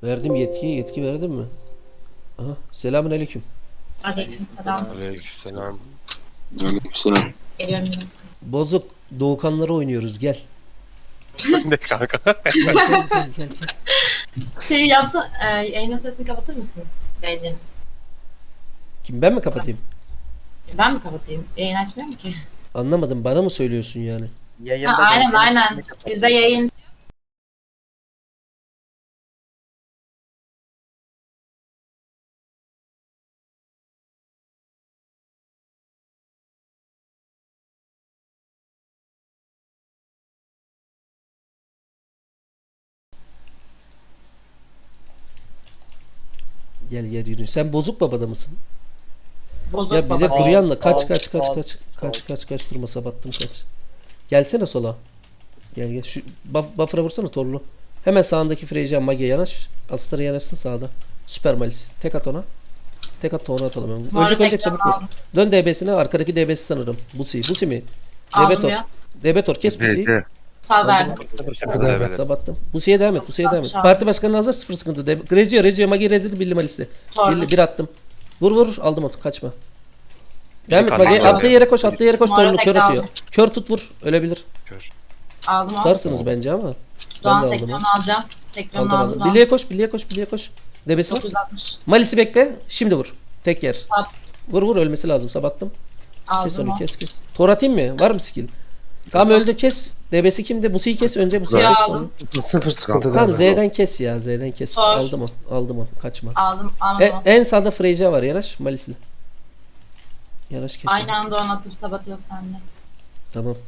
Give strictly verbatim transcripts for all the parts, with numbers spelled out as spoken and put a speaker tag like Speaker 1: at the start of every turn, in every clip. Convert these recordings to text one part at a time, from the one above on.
Speaker 1: Verdim yetkiyi. Yetki verdim mi? Aha. Selamünaleyküm.
Speaker 2: Aleykümselam.
Speaker 3: Aleykümselam.
Speaker 4: Aleykümselam.
Speaker 2: Geliyorum.
Speaker 1: Bozuk Doğukanları oynuyoruz. Gel.
Speaker 3: Ne kanka?
Speaker 1: Gel gel gel. gel.
Speaker 2: Şey yapsa, e, yayının sesini kapatır mısın D C'nin?
Speaker 1: Kim, ben mi kapatayım?
Speaker 2: Ben mi kapatayım? Yayın açmıyor mu ki?
Speaker 1: Anlamadım. Bana mı söylüyorsun yani?
Speaker 2: Ha, aynen aynen. Bizde yayın.
Speaker 1: Gel gel yürü. Sen Bozuk Baba'da mısın?
Speaker 2: Bozuk
Speaker 1: Ya bize
Speaker 2: baba.
Speaker 1: Kuryan'la kaç
Speaker 5: al,
Speaker 1: kaç kaç
Speaker 5: al,
Speaker 1: kaç kaç
Speaker 5: al.
Speaker 1: kaç kaç durma sabattım kaç. Gelsene sola. Gel gel. Şu buff, buffer'a vursana torlu. Hemen sağındaki Freycan Mage'ye yanaş. Astar'a yanaşsın sağda. Süper Malis. Tek at ona. Tek at onu atalım hemen.
Speaker 2: Bu arada
Speaker 1: Ölecek ölecek
Speaker 2: ekranı
Speaker 1: çabuk vur.
Speaker 2: aldım.
Speaker 1: Dön D B'sine. Arkadaki D B'si sanırım. Busi. Busi mi?
Speaker 2: Aldım
Speaker 1: Debetor.
Speaker 2: ya.
Speaker 1: Debetor kes Busi'yi.
Speaker 2: Sağ verdim.
Speaker 1: Sabattım. Busi'ye devam et. Busi'ye devam et.
Speaker 2: Alçak.
Speaker 1: Parti başkanı hazır, sıfır sıkıntı. De Rezio Rezio Magi rezildi Billy Malis'te.
Speaker 2: Torlu.
Speaker 1: Billy bir attım. Vur vur aldım onu. Kaçma. Devam et
Speaker 3: kaldı.
Speaker 1: Magi.
Speaker 3: Aldım.
Speaker 1: Attığı yere koş. Attığı yere koş.
Speaker 2: Bu arada
Speaker 1: Torlu kör
Speaker 2: tekrar
Speaker 1: atıyor.
Speaker 2: aldım.
Speaker 1: Kör tut vur. Ölebilir.
Speaker 3: Kör.
Speaker 2: Aldım o.
Speaker 1: Tutarsınız bence ama. Ben de
Speaker 2: Doğan
Speaker 1: aldım
Speaker 2: tekrar
Speaker 1: onu.
Speaker 2: onu alacağım. Tekrar onu
Speaker 1: Aldım
Speaker 2: aldım.
Speaker 1: aldım.
Speaker 2: Doğan.
Speaker 1: Billy'e koş. Billy'e koş. Billy'e koş. Debesi var.
Speaker 2: dokuz yüz altmış.
Speaker 1: Malis'i bekle. Şimdi vur. Tek yer.
Speaker 2: At.
Speaker 1: Vur vur ölmesi lazım. Sabattım. Kes
Speaker 2: Aldım
Speaker 1: onu
Speaker 2: o.
Speaker 1: kes kes. Tor atayım mı? Var mı skill? Tamam öldü kes. Debesi kimdi? Busi'yi kes. Önce Busi'yi
Speaker 2: Suyu
Speaker 1: kes.
Speaker 2: aldım.
Speaker 4: Sıfır sıkıntı
Speaker 1: Tamam
Speaker 4: değil.
Speaker 1: Z'den kes ya. Z'den kes.
Speaker 2: Tor.
Speaker 1: Aldım onu. Aldım onu. Kaçma.
Speaker 2: Aldım.
Speaker 1: E,
Speaker 2: Aldım o.
Speaker 1: en sağda Freyja var. Yanaş. Malis'li. Yanaş kes.
Speaker 2: Aynı
Speaker 1: onu.
Speaker 2: anda onu atıp sabatıyor sende.
Speaker 1: Tamam.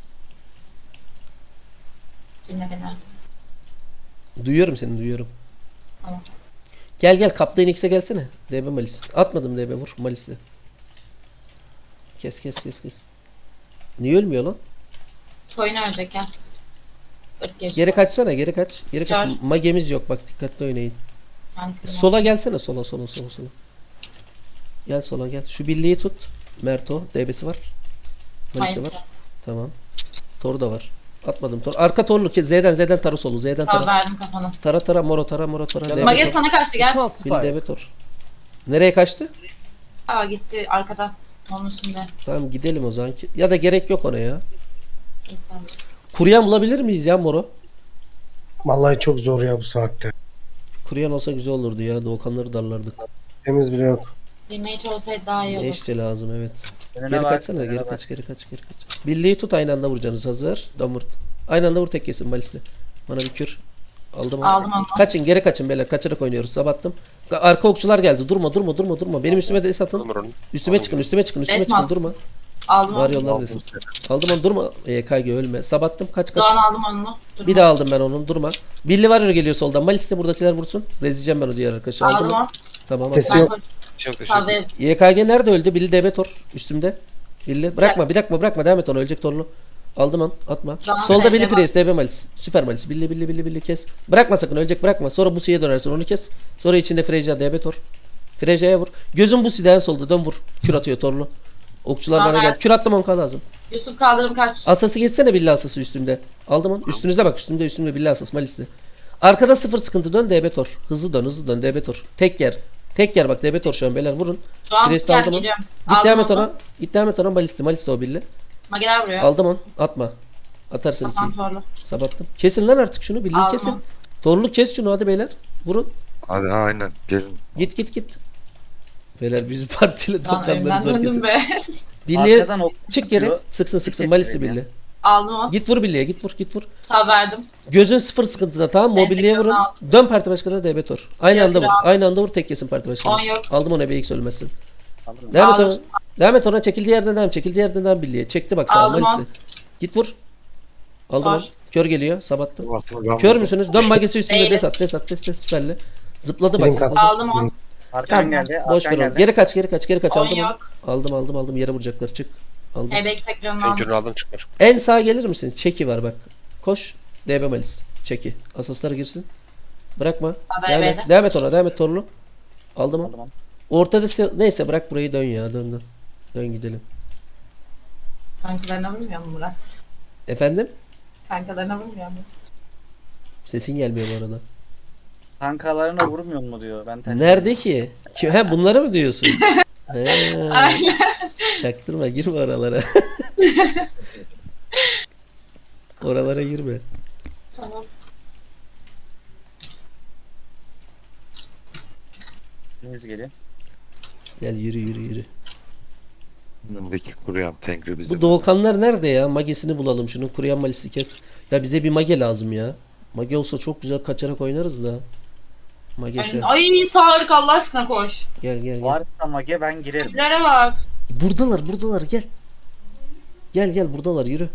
Speaker 2: Dinle beni.
Speaker 1: Duyuyorum seni duyuyorum.
Speaker 2: Tamam.
Speaker 1: Gel gel Kaptan X'e gelsene. D B Malis. Atmadım D B vur Malis'li. Kes kes kes kes. Niye ölmüyor lan?
Speaker 2: Koyun ölecek ya. Öt geçti.
Speaker 1: Geri kaçsana geri kaç. Geri kaç.
Speaker 2: Kör.
Speaker 1: Magemiz yok bak dikkatli oynayın.
Speaker 2: Kendi kızım.
Speaker 1: Sola gelsene sola sola sola sola. Gel sola gel. Şu birliği tut. Merto D B'si var. Malis'i
Speaker 2: Mayıs'ta.
Speaker 1: var. Tamam. Tor da var. Atmadım tor. Arka torlu ki Z'den Z'den tarı solu. Z'den
Speaker 2: Sağ
Speaker 1: tara.
Speaker 2: verdim kafana.
Speaker 1: Tara tara moro tara moro tara. D B
Speaker 2: Mage
Speaker 1: tor.
Speaker 2: sana kaçtı gel.
Speaker 1: Bil D B tor. Nereye kaçtı?
Speaker 2: Aa gitti arkada. Onun üstünde.
Speaker 1: Tamam gidelim o zaman. ki- Ya da gerek yok ona ya.
Speaker 2: İnsan bilirsin.
Speaker 1: Kuryan bulabilir miyiz ya moro?
Speaker 4: Vallahi çok zor ya bu saatte.
Speaker 1: Kuryan olsa güzel olurdu ya. Doğukanları darlardık.
Speaker 4: Temiz bile yok.
Speaker 2: Bir mage olsaydı daha iyi
Speaker 1: Ne
Speaker 2: olur.
Speaker 1: işte lazım evet.
Speaker 5: Önüne
Speaker 1: Geri
Speaker 5: bak,
Speaker 1: kaçsana
Speaker 5: önüne
Speaker 1: geri
Speaker 5: bak.
Speaker 1: kaç geri kaç geri kaç. Birliği tut aynı anda vuracaksınız hazır. Damırt. Aynı anda vur tek yesin Malis'le. Bana bir kür. Aldım onu.
Speaker 2: Aldım onu.
Speaker 1: Kaçın geri kaçın beyler. Kaçarak oynuyoruz. Sabattım. Arka okçular geldi. Durma durma durma durma. Benim üstüme de es atın.
Speaker 3: Numara onu.
Speaker 1: Üstüme çıkın üstüme çıkın üstüme
Speaker 2: Resmi
Speaker 1: çıkın durma.
Speaker 2: Aldım
Speaker 1: Var
Speaker 2: onu.
Speaker 1: yollar desin. Aldım onu durma. E K G ölme. Sabattım kaç kaç.
Speaker 2: Doğan aldım onu. Durma.
Speaker 1: Bir daha aldım ben onun durma. Billy var geliyor soldan. Malis de buradakiler vursun. Rezleyeceğim ben o diğer arkadaşı. Aldım
Speaker 2: Aldım
Speaker 1: onu.
Speaker 2: onu.
Speaker 1: Tamam.
Speaker 4: Sesi
Speaker 2: Ben
Speaker 4: yok.
Speaker 2: koy-
Speaker 3: Çok
Speaker 2: Sağ
Speaker 3: teşekkür
Speaker 2: ver.
Speaker 1: Y K G nerede öldü? Billy Debetor üstümde. Billy. Bırakma bırakma bırakma devam et onu ölecek torlu. Aldım onu atma.
Speaker 2: Tamam,
Speaker 1: Solda
Speaker 2: sen
Speaker 1: Billy
Speaker 2: devam.
Speaker 1: Priest D B Malis. Süper Malis. Billy Billy Billy Billy kes. Bırakma sakın ölecek bırakma. Sonra Busi'ye dönersin onu kes. Sonra içinde Freyja Debetor. Freyja'ya vur. Gözün Busi'den solda dön vur. Kür atıyor torlu. Okçular bana
Speaker 2: Tamam,
Speaker 1: gel.
Speaker 2: evet.
Speaker 1: Kür attım on k lazım.
Speaker 2: Yusuf kaldırım kaç.
Speaker 1: Asası geçsene Billy asası üstümde. Aldım onu. Üstünüzde bak üstümde üstümde Billy asası Malis'li. Arkada sıfır sıkıntı dön D B Tor. Hızlı dön hızlı dön D B Tor. Tek yer. Tek yer bak D B Tor şu an beyler vurun.
Speaker 2: Doğan
Speaker 1: Priest
Speaker 2: gel
Speaker 1: aldım onu.
Speaker 2: geliyorum.
Speaker 1: Git devam et
Speaker 2: onu.
Speaker 1: ona. Git devam et ona Malis'li. Malis'li o Billy.
Speaker 2: Mageler vuruyor.
Speaker 1: Aldım onu. Atma. Atarsın
Speaker 2: Kafam
Speaker 1: ikiyi.
Speaker 2: torlu.
Speaker 1: Sabattım. Kesin lan artık şunu. Billy'yi
Speaker 2: Aldım
Speaker 1: kesin.
Speaker 2: onu.
Speaker 1: Torlu kes şunu hadi beyler. Vurun.
Speaker 3: Hadi aynen gelin.
Speaker 1: Git git git. Beyler biz partiyle
Speaker 2: Doğan
Speaker 1: toplanları
Speaker 2: önümden
Speaker 1: zor
Speaker 2: döndüm
Speaker 1: kesin.
Speaker 2: be.
Speaker 1: Billy'ye
Speaker 5: Arkadan ok
Speaker 1: çık geri.
Speaker 5: çıkıyor.
Speaker 1: Sıksın sıksın.
Speaker 5: Tek
Speaker 1: Malis'li
Speaker 5: yerim ya.
Speaker 1: Billy.
Speaker 2: Aldım onu.
Speaker 1: Git vur Billy'ye git vur git vur.
Speaker 2: Sağ verdim.
Speaker 1: Gözün sıfır sıkıntıda tamam mı?
Speaker 2: Evet,
Speaker 1: Mobilyaya vurun.
Speaker 2: tekrar
Speaker 1: Dön parti başkanına D B Tor. Aynı
Speaker 2: Diğer
Speaker 1: anda vur.
Speaker 2: türlü aldım.
Speaker 1: Aynı anda vur tek yesin parti başkanı.
Speaker 2: On yok.
Speaker 1: Aldım onu B X ölmesin.
Speaker 5: Aldım.
Speaker 1: Devam et
Speaker 2: Aldım.
Speaker 1: ona. Devam et ona. Çekildiği yerden devam. Çekildiği yerden devam Billy'ye. Çekti bak sağ
Speaker 2: Aldım
Speaker 1: Malis'le.
Speaker 2: on.
Speaker 1: Git vur. Aldım
Speaker 2: Var.
Speaker 1: onu. Kör geliyor. Sabattım.
Speaker 3: Aslında ben
Speaker 1: Kör müsünüz? Dön magesi üstünde
Speaker 2: Değiliz.
Speaker 1: des at. Des at. Des des süperli. Zıpladı bak.
Speaker 4: Birin kat.
Speaker 1: Zıpladı.
Speaker 2: Aldım onu.
Speaker 5: Arkan
Speaker 1: Tamam.
Speaker 5: geldi.
Speaker 1: Boş
Speaker 5: Arkan
Speaker 1: ver onu.
Speaker 5: geldi.
Speaker 1: Geri kaç geri kaç geri kaç.
Speaker 2: On
Speaker 1: Aldım onu.
Speaker 2: yok.
Speaker 1: Aldım aldım aldım. Yere vuracaklar. Çık. Aldım.
Speaker 2: Ebex ekranını
Speaker 3: Ben kürünü
Speaker 2: aldım.
Speaker 3: aldım çıkmış.
Speaker 1: En sağa gelir misin? Çeki var bak. Koş. D B Malis. Çeki. Asaslara girsin. Bırakma.
Speaker 2: Hadi
Speaker 1: Devam et.
Speaker 2: ebeyle.
Speaker 1: Devam et ona. Devam et Torlu. Aldım onu.
Speaker 5: Aldım onu.
Speaker 1: Ortada se- neyse bırak burayı dön ya. Dön dön. Dön gidelim.
Speaker 2: Kankalarına vurmuyor mu Murat?
Speaker 1: Efendim?
Speaker 2: Kankalarına vurmuyor mu?
Speaker 1: Sesin gelmiyor bu arada.
Speaker 5: Kankalarına vurmuyor mu diyor. Ben tercih
Speaker 1: Nerede ki? Ki- He bunları mı diyorsun? He,
Speaker 2: Aynen.
Speaker 1: çaktırma girme oralara. Oralara girme.
Speaker 2: Tamam.
Speaker 5: Henüz geliyor.
Speaker 1: Gel yürü yürü yürü.
Speaker 3: Önündeki kuruyan Tengri bizim.
Speaker 1: Bu Doğukanlar nerede ya? Magesini bulalım şunun kuruyan malisi kes. Ya bize bir mage lazım ya. Mage olsa çok güzel kaçarak oynarız da. Mage şey.
Speaker 2: Ay, ay Tarık Allah aşkına koş.
Speaker 1: Gel gel gel.
Speaker 5: Varsa mage ben girerim.
Speaker 2: Evlere bak.
Speaker 1: Buradalar buradalar gel. Gel gel buradalar yürü.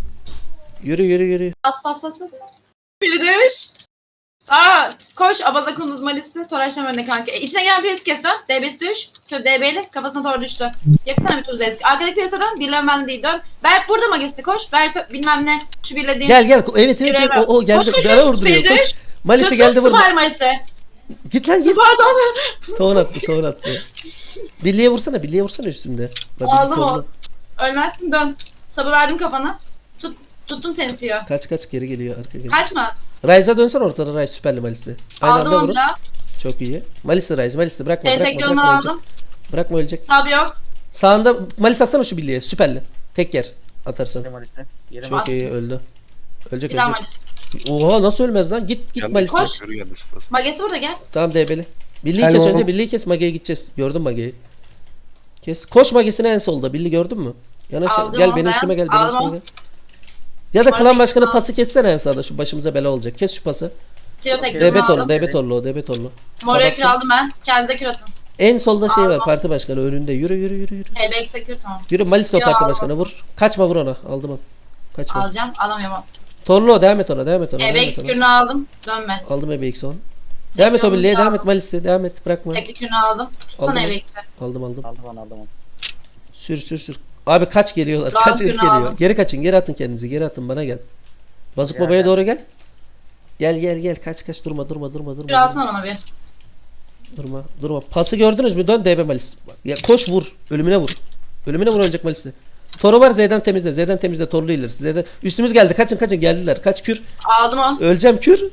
Speaker 1: Yürü yürü yürü.
Speaker 2: Bas bas bas bas. Biri düş. Aa, koş Abaza Kunduz Malis'te Toraş'tan önüne kanka. E, içine gelen piresi kes dön. D B'si düş. Şöyle D B'li kafasına doğru düştü. Yapsana bir tuz eski. Arkadaki pirese dön. Birlen ben değil dön. Berk burada magisi koş. Berk bilmem ne. Şu birlediğim.
Speaker 1: Gel gel. Evet evet, evet. O, o geldi.
Speaker 2: Koş koş
Speaker 1: Bir ara
Speaker 2: koş.
Speaker 1: vurduruyor.
Speaker 2: Biri
Speaker 1: Koş.
Speaker 2: düş.
Speaker 1: Malisi geldi
Speaker 2: burada.
Speaker 1: burada.
Speaker 2: Malisi.
Speaker 1: Git lan git.
Speaker 2: Pardon.
Speaker 1: Ton attı ton attı. Birliğe vursana birliğe vursana üstümde. Bak,
Speaker 2: Aldım
Speaker 1: birlik
Speaker 2: o.
Speaker 1: oldu.
Speaker 2: Ölmezsin dön. Sabı verdim kafana. Tut, tuttum seni Tiyo.
Speaker 1: Kaç kaç geri geliyor arka geliyor.
Speaker 2: Kaçma.
Speaker 1: Ryze'a dönsen ortada Ryze süperli Malis'te. Aynı
Speaker 2: Aldım
Speaker 1: anda
Speaker 2: onu
Speaker 1: vurun.
Speaker 2: da.
Speaker 1: Çok iyi. Malis'te Ryze Malis'te bırakma
Speaker 2: Seni
Speaker 1: bırakma
Speaker 2: tek
Speaker 1: bırakma,
Speaker 2: yolunu
Speaker 1: ölecek.
Speaker 2: aldım.
Speaker 1: Bırakma ölecek.
Speaker 2: Sabı yok.
Speaker 1: Sağında Malis atsana şu birliğe süperli. Tek yer atarsan.
Speaker 5: Yerim Ali'de. Yerim
Speaker 1: Çok
Speaker 2: At.
Speaker 1: iyi öldü. Ölecek
Speaker 2: Bir daha
Speaker 1: ölecek.
Speaker 2: Malis.
Speaker 1: Oha nasıl ölmez lan? Git git
Speaker 3: Geldi
Speaker 1: Malis'te.
Speaker 2: Koş.
Speaker 3: Yürü geldi sıfır.
Speaker 2: Magesi burada gel.
Speaker 1: Tamam D B'li. Birliği
Speaker 4: Hello.
Speaker 1: kes önce birliği kes Mage'ye gideceğiz. Gördün Mage'yi. Kes. Koş Mage'sine en solda. Birliği gördün mü? Yanaş
Speaker 2: Aldım
Speaker 1: gel
Speaker 2: onu
Speaker 1: benim
Speaker 2: ben.
Speaker 1: üstüme gel benim
Speaker 2: Aldım
Speaker 1: üstüme
Speaker 2: onu.
Speaker 1: gel. Ya da
Speaker 2: Sonra
Speaker 1: klan başkanı
Speaker 2: bekle.
Speaker 1: pası kessene en sağda şu başımıza bela olacak. Kes şu pası.
Speaker 2: Tiyo tek
Speaker 1: D
Speaker 2: yolunu
Speaker 1: B torlu,
Speaker 2: aldım.
Speaker 1: D B torlu, o D B torlu.
Speaker 2: Moraya
Speaker 1: Kapattım.
Speaker 2: kür aldım ben. Kendinize kür atın.
Speaker 1: En solda şey var
Speaker 2: Aldım.
Speaker 1: parti başkanı önünde. Yürü yürü yürü yürü.
Speaker 2: E B X'e kür tamam.
Speaker 1: Yürü Malis o
Speaker 2: Ya
Speaker 1: parti
Speaker 2: aldım.
Speaker 1: başkanı vur. Kaçma vur ona. Aldım onu. Kaçma.
Speaker 2: Alacağım. Alamıyorum.
Speaker 1: Torlu o devam et ona devam et ona.
Speaker 2: E
Speaker 1: Devam
Speaker 2: B
Speaker 1: et
Speaker 2: X
Speaker 1: ona.
Speaker 2: kürünü aldım. Dönme.
Speaker 1: Aldım E B X on. Devam et o
Speaker 2: yolunu
Speaker 1: birliğe devam
Speaker 2: aldım.
Speaker 1: et Malis'e devam et bırakma.
Speaker 2: Tekli kürünü aldım. Tutsana
Speaker 1: Aldım.
Speaker 2: E B X'e.
Speaker 1: Aldım aldım.
Speaker 5: Aldım onu aldım onu.
Speaker 1: Sür sür sür. Abi kaç geliyorlar?
Speaker 2: Daha
Speaker 1: Kaç
Speaker 2: günü
Speaker 1: et geliyor?
Speaker 2: aldım.
Speaker 1: Geri kaçın geri atın kendinizi geri atın bana gel. Bazık
Speaker 5: Gel,
Speaker 1: babaya
Speaker 5: gel.
Speaker 1: doğru gel. Gel gel gel kaç kaç durma durma durma durma.
Speaker 2: Kür alsana bana bir.
Speaker 1: Durma durma. Pası gördünüz mü? Dön D B Malis. Bak, ya koş vur. Ölümüne vur. Ölümüne vur ölecek Malis'te. Toru var Z'den temizle. Z'den temizle torlu ileri. Z'den üstümüz geldi. Kaçın kaçın geldiler. Kaç kür.
Speaker 2: Aldım onu.
Speaker 1: Öleceğim kür.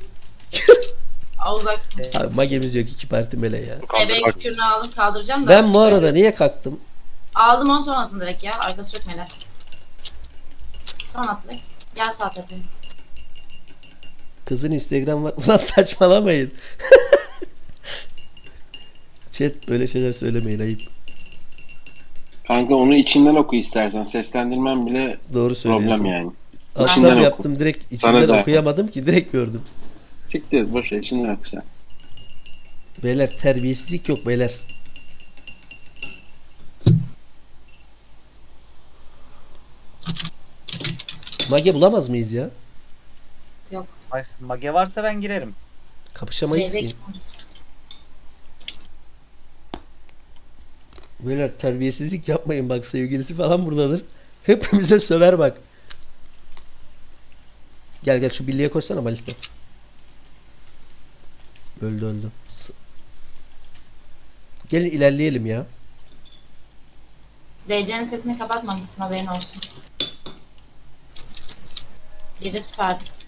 Speaker 2: Aa, uzaksın.
Speaker 1: Abi magemiz yok iki parti mele ya.
Speaker 2: E B X kürünü aldım. Kaldıracağım da.
Speaker 1: Ben bu arada niye kalktım?
Speaker 2: Aldım onu ton atın direkt ya. Arkası çok melek. Ton at direkt. Gel sağ tepeye.
Speaker 1: Kızın Instagram var. Ulan saçmalamayın. Chat böyle şeyler söylemeyin ayıp.
Speaker 6: Kanka onu içinden oku istersen. Seslendirmen bile
Speaker 1: Doğru söylüyorsun.
Speaker 6: problem yani.
Speaker 1: Alttan
Speaker 6: İçinden oku.
Speaker 1: yaptım direkt
Speaker 6: Sana
Speaker 1: içinden
Speaker 6: zaten.
Speaker 1: okuyamadım ki direkt gördüm.
Speaker 6: Siktir boş ver içinden oku sen.
Speaker 1: Beyler terbiyesizlik yok beyler. Mage bulamaz mıyız ya?
Speaker 5: Ay, mage varsa ben girerim.
Speaker 1: Kapışamayız ki.
Speaker 2: Çeyrek.
Speaker 1: Beyler terbiyesizlik yapmayın bak sevgilisi falan buradadır. Hepimize söver bak. Gel gel şu birliğe koşsana Malis'te. Öldü öldü. S- Gelin ilerleyelim ya.
Speaker 2: D C'nin sesini kapatmamışsın haberin olsun. Bir de süperdi.